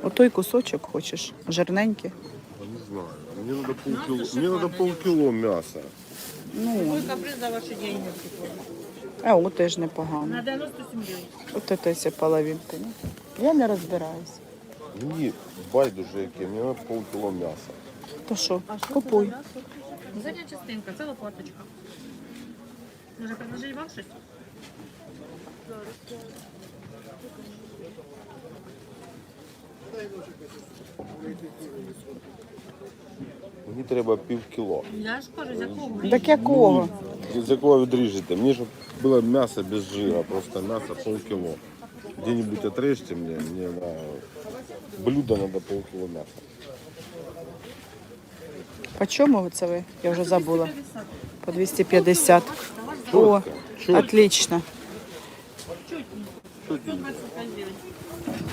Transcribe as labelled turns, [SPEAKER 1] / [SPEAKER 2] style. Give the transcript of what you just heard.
[SPEAKER 1] Отой кусочок хочеш, жирненький.
[SPEAKER 2] Не знаю. Мне надо полкило мяса.
[SPEAKER 1] Ну,
[SPEAKER 3] Какой каприз за ваши деньги?
[SPEAKER 1] о, теж непогано.
[SPEAKER 3] На 97 гривен.
[SPEAKER 1] От це все половинка. Ні? Я не розбираюсь.
[SPEAKER 2] Мені байдуже яке, мені треба полкило м'яса.
[SPEAKER 1] То що, купуй.
[SPEAKER 3] Задня частинка, це лопаточка. Може предложить вам щось?
[SPEAKER 2] Мені треба півкіло.
[SPEAKER 3] Я ж кажу, з якого?
[SPEAKER 1] Так якого?
[SPEAKER 2] З якого відріжете? Мені щоб було м'ясо без жира, просто м'ясо полкило. Где-нибудь отрежьте мне на блюдо надо полкило мяса.
[SPEAKER 1] По чому це ви? Я вже забула. По 250. О,
[SPEAKER 2] Чётко.
[SPEAKER 1] отлично.
[SPEAKER 3] Чуть не. 125 гривень.